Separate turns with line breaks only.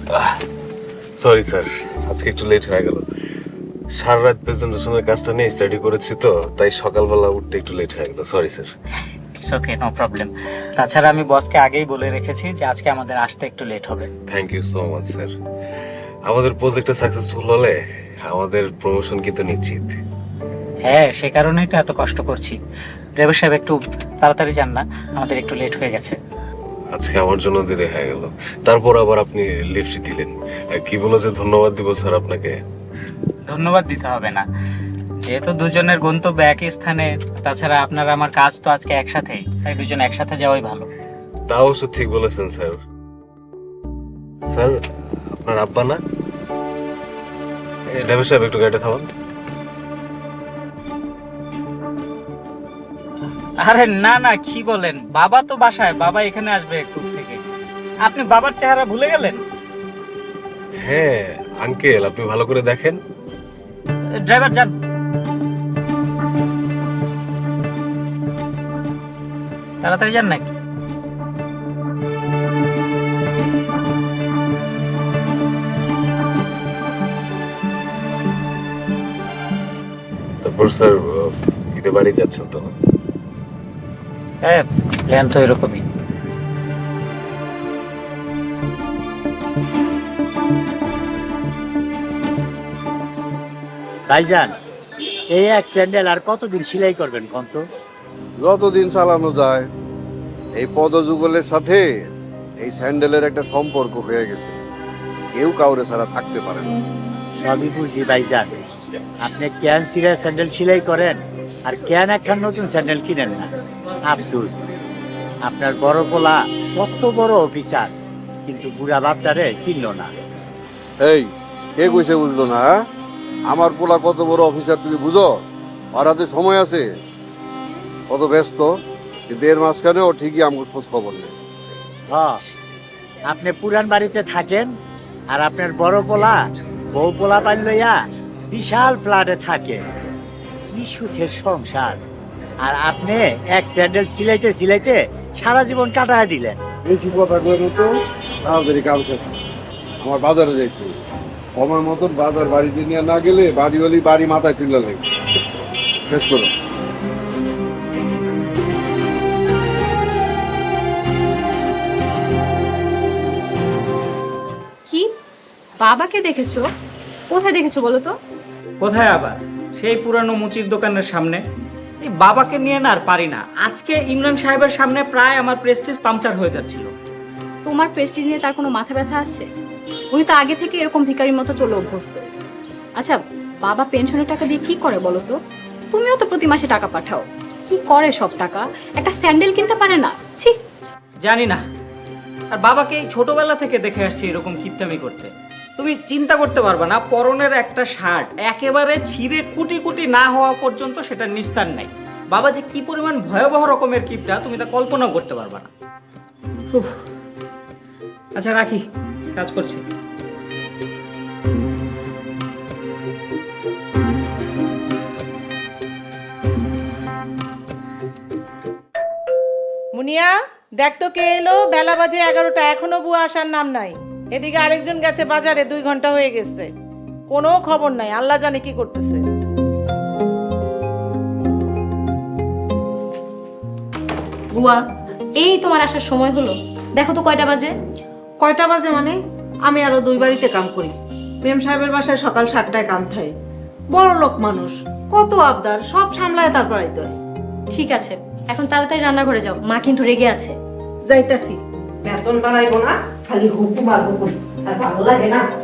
Sorry sir, আজকে একটু late হয়ে গেল। সারা রাত প্রেজেন্টেশনের কাজটা নিয়ে স্টাডি করেছি তো, তাই সকালবেলা উঠতে একটু লেট হয়ে গেল। Sorry sir.
It's okay, no problem. তাছাড়া আমি বসকে আগেই বলে রেখেছি যে আজকে আমাদের আসতে একটু লেট হবে।
Thank you so much sir. আমাদের প্রজেক্টটা সাকসেসফুল হলে আমাদের প্রমোশন কিন্তু নিশ্চিত।
হ্যাঁ, সে কারণেই তো এত কষ্ট করছি। ড্রাইভার সাহেব একটু তাড়াতাড়ি যান না, আমাদের একটু লেট হয়ে গেছে।
আজকে আমার জন্য দেরি হয়ে গেল, তারপর আবার আপনি লিফট দিলেন। কি বলে যে ধন্যবাদ দিব স্যার আপনাকে।
ধন্যবাদ দিতে হবে না, যেহেতু দুজনের গন্তব্য একই স্থানে। তাছাড়া আপনার আমার কাজ তো আজকে একসাথেই, তাই দুজন একসাথে যাওয়াই ভালো।
তা অবশ্য ঠিক বলেছেন স্যার। স্যার, আপনার আব্বা না? ড্রাইভার সাহেব একটু গাড়িটা থামান।
আরে না না, কি বলেন, বাবা তো বাসায়, বাবা এখানে আসবে একটু থেকে। আপনি বাবার চেহারা ভুলে গেলেন?
হ্যাঁ আঙ্কেল, আপনি ভালো করে দেখেন।
ড্রাইভার যান। তাড়াতাড়ি যান নাকি?
তারপর স্যার, ঈদে বাড়ি যাচ্ছেন তো?
হ্যাঁ, প্ল্যান তো এরকমই।
ভাইজান, এই এক স্যান্ডেল আর কতদিন সেলাই করবেন কোন তো?
যতদিন চালানো যায়। এই পদযুগলের সাথে এই স্যান্ডেলের একটা সম্পর্ক হয়ে গেছে, কেউ কাউরে ছাড়া থাকতে পারে না।
সবই বুঝি ভাইজান, আপনি ক্যান সিরা স্যান্ডেল সেলাই করেন আর ক্যান একখান নতুন স্যান্ডেল কিনেন না। আফসোস, আপনার বড় পোলা কত বড় অফিসার, কিন্তু বুড়া বাপটারে চিনল না।
এই কে কইছে বুঝলো না? হ্যাঁ? আমার পোলা কত বড় অফিসার তুমি বুঝো? আর হাতে সময় আছে, কত ব্যস্ত, কিন্তু এর মাঝখানে ও ঠিকই আমার খোঁজ খবর নেই।
আপনি পুরান বাড়িতে থাকেন আর আপনার বড় পোলা বউ পোলা পাল লইয়া বিশাল ফ্ল্যাটে থাকে। কি সুখের সংসার, আর আপনি এক স্যান্ডেল সিলাইতে সিলাইতে সারা জীবন কাটায় দিলেন।
বেশি কথা কয়ে তো তাড়াতাড়ি কাম শেষ করো। আমার বাজারে যাইতে হবে। সময় মতন বাজার বাড়িতে নিয়ে না গেলে বাড়ি হলেই বাড়ি মাথায় তুলে লাগবে। শেষ করো।
কি বাবাকে দেখেছো? কোথায় দেখেছো বলো তো?
কোথায় আবার? সেই পুরানো মুচির দোকানের সামনে। এই বাবাকে নিয়ে না আর পারি না। আজকে ইমরান সাহেবের সামনে প্রায় আমার প্রেস্টিজ পাংচার হয়ে যাচ্ছিল।
তোমার প্রেস্টিজ নিয়ে তার কোনো মাথা ব্যথা আছে? উনি তো আগে থেকে এরকম ভিখারির মতো চলে অভ্যস্ত। আচ্ছা, বাবা পেনশনের টাকা দিয়ে কি করে বলো তো? তুমিও তো প্রতি মাসে টাকা পাঠাও। কি করে সব টাকা? একটা স্যান্ডেল কিনতে পারে না? ছি।
জানি না, আর বাবাকে এই ছোটবেলা থেকে দেখে আসছি এরকম কিপটামি করতে। তুমি চিন্তা করতে পারবে না, পরনের একটা শার্ট একেবারে ছিঁড়ে কুটি কুটি না হওয়া পর্যন্ত সেটা নিস্তার নাই। বাবা যে কি পরিমাণ ভয়াবহ রকমের কিপটা, তুমি তা কল্পনাও করতে পারবে না। উফ। আচ্ছা রাখি, কাজ করছি।
মুনিয়া, দেখ তো কে এলো। বেলা বাজে 11টা, এখনো বুয়া আসার নাম নাই। এদিকে আরেকজন গেছে বাজারে, 2 ঘন্টা হয়ে গেছে, কোনো খবর নাই। আল্লাহ জানে কি করতেছে।
বুয়া, এই তোমার আসার সময় হলো। দেখো তো কয়টা বাজে।
কয়টা বাজে মানে? আমি আরো 2 বাড়িতে কাম করি। মেম সাহেবের বাসায় সকাল 7টায় কাম থাকে। বড় লোক মানুষ, কত আবদার, সব সামলায় তারপর আইতে হয়।
ঠিক আছে, এখন তাড়াতাড়ি রান্নাঘরে যাও, মা কিন্তু রেগে আছে।
যাইতাছি। বেতন বাড়াইবো না, খালি হুকুম আর হুকুম, আর ভালো লাগে না।